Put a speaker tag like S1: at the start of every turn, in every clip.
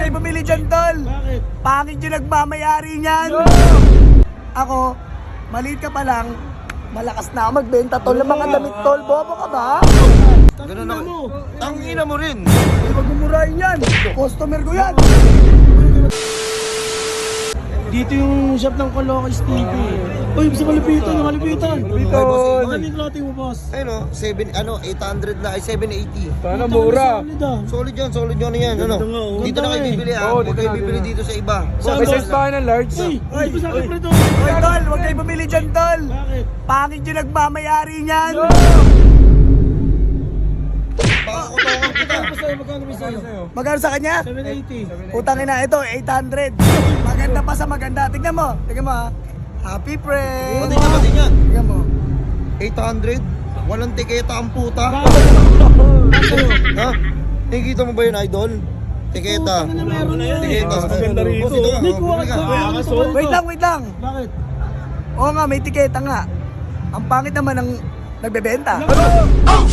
S1: kayo bumili dyan, tol.
S2: Bakit?
S1: Pangit yung nagmamayari niyan. Ako, maliit ka pa lang, malakas na ako magbenta, tol, ng mga damit, tol. Bobo ka ba?
S3: Ganun ako. Tangina mo rin.
S1: Hindi wag mumurahin yan. Customer ko yan.
S2: Dito yung shop ng Colocos TV. Uy, sa Malipitan, yung Malipitan.
S3: Tol.
S2: Ano yung clothing mo, boss?
S3: Ayun o, 800 na, ay 780.
S4: Sana mura.
S3: Solid yan yan. Ano?
S2: Ganda nga, oh.
S3: Dito na kayo
S2: Ganda
S3: bibili
S4: Oo,
S3: Huwag
S4: dito
S3: kayo
S4: na,
S3: bibili
S4: dito
S3: dito sa iba.
S2: Saan
S4: May
S2: ba?
S4: size tayo ng large.
S2: Uy, hindi pa sa akin pre to.
S1: Hoy, tol, wag kayo bumili dyan, tol.
S2: Bakit?
S1: Pangit yung nagmamayari niyan.
S3: Pakukutungan kita.
S2: Magkano ba sa'yo?
S1: Magkano sa kanya?
S2: 780.
S1: Putang ina, ito, 800. Maganda pa sa maganda. Tignan mo ha. Happy friend.
S3: Pati niya.
S1: Tignan mo.
S3: 800? Walang tiketa ang puta. Ha? Nakikita mo ba yun, idol? Tiketa.
S2: Ano na meron yan?
S3: Tiketa.
S4: Maganda rito.
S3: Boss, ito nga,
S2: Hindi ko
S3: bumili ka.
S1: Wait lang.
S2: Bakit?
S1: Oo nga, may tiketa nga. Ang pangit naman ng nagbebenta.
S2: Ano?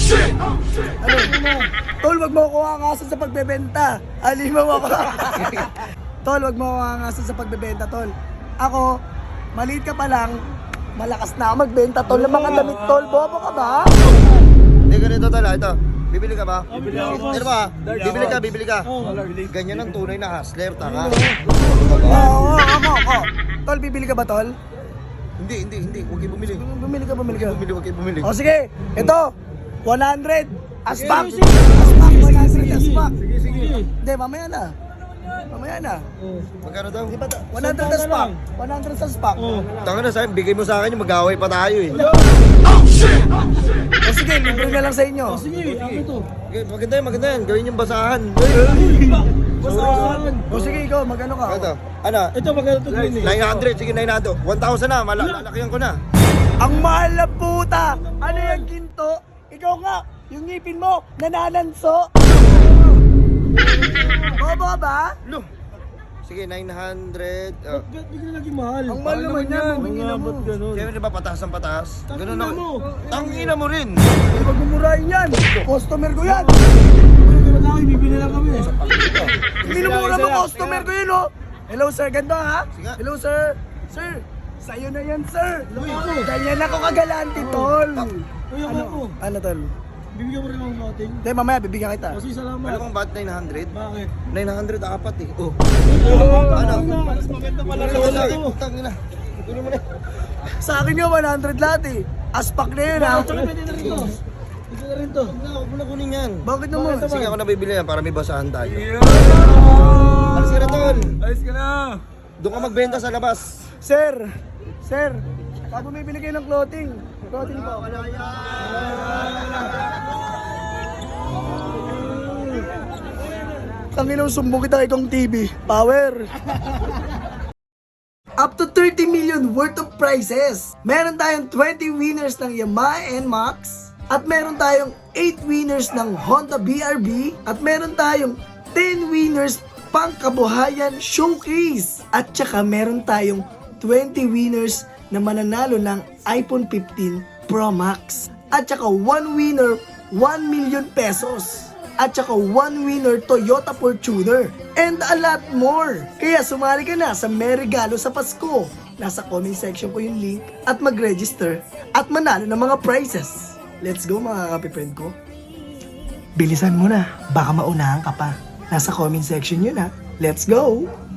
S1: Tol, wag mo ako angasan sa pagbebenta. Alimaw ako. Tol, wag mo ako angasan sa pagbebenta, tol. Ako, maliit ka pa lang, malakas na ako magbenta, tol, ng mga damit, tol. Bobo ka ba?
S3: Hindi, ganito tala. Ito. Bibili ka ba?
S2: Bibili ako.
S3: Ano ba? Bibili ka.
S2: Oo.
S3: Ganyan ang tunay na hustler, tanga.
S1: Oo, ako. Tol, bibili ka ba, tol?
S3: Hindi. Huwag kayo bumili.
S1: Bumili ka.
S3: Huwag kayo bumili.
S1: O sige, ito, 100. Aspak.
S2: Sige.
S1: Aspak, 100 aspak.
S2: Sige.
S1: Hindi, mamaya na.
S3: Magkano daw?
S1: Di ba, 100 aspak. 100 aspak.
S2: Oh.
S3: Tanga na sa'yo, bigay mo sa akin yung mag-away pa tayo eh.
S1: O sige, libre na lang sa inyo.
S2: Oh, sige, ako to.
S3: Okay, maganda yan. Gawin yung basahan.
S2: Basahan.
S1: O sige, ikaw, magano ka?
S3: Ito. Ano?
S2: Ito magkano to green eh.
S3: 900. Sige, 900. 1,000 na. Lalakyan ko na.
S1: Ang mahal na puta! Ano yung ginto? Ikaw nga, yung ngipin mo, nanananso! Bobo ka ba?
S3: Lo. Sige, 900.
S2: Ba't bigla naging mahal?
S1: Ang mahal naman yan,
S2: Mga
S1: mo.
S2: ba't ganun?
S3: Siyempre ba patas ang patas? Ganun
S2: Tangina mo.
S3: Tangina mo rin.
S1: Huwag mumurahin yan! Customer ko yan!
S2: Wala kayo, bibili lang kami.
S1: Minumura mo customer ko yun, oh! Hello sir, ganda ha?
S3: Sige.
S1: Hello sir! Sir, sa'yo na yan sir!
S2: Hello, ako.
S1: Ganyan ako kagalante, tol!
S2: Uy, ako.
S1: Ano tol?
S2: Bibigyan mo rin ng clothing.
S1: Hindi, mamaya bibigyan kita.
S2: Kasi salamat.
S3: Alam mo ba't 900?
S2: Bakit?
S3: 900 apat eh. Oh.
S2: Ano? Mas maganda pala
S3: Wala.
S2: ito.
S3: Tangina. Kunin mo na.
S1: Sa akin yung 100 lahat eh. Aspak na yun ha?
S2: Tsaka pwede na rin to. Pwede na rin to.
S3: Huwag mo na kunin yan.
S1: Bakit naman?
S3: Sige, ako na bibili yan para may basahan tayo.
S4: Yeah!
S3: Alas ka na, tol.
S4: Ayos ka na.
S3: Doon ka magbenta sa labas.
S1: Sir, pag bumibili kayo ng clothing po. Tanginaw, sumbong kita ikong TV. Power! Up to 30 million worth of prizes. Meron tayong 20 winners ng Yamaha NMAX. At meron tayong 8 winners ng Honda BRB. At meron tayong 10 winners pang kabuhayan showcase. At saka meron tayong 20 winners na mananalo ng iPhone 15 Pro Max. At saka 1 winner, 1 million pesos. At saka 1 winner Toyota Fortuner. And a lot more. Kaya sumali ka na sa may regalo sa Pasko. Nasa comment section ko yung link at mag-register at manalo ng mga prizes. Let's go mga kapi-friend ko. Bilisan mo na, baka maunahan ka pa. Nasa comment section yun ha. Let's go!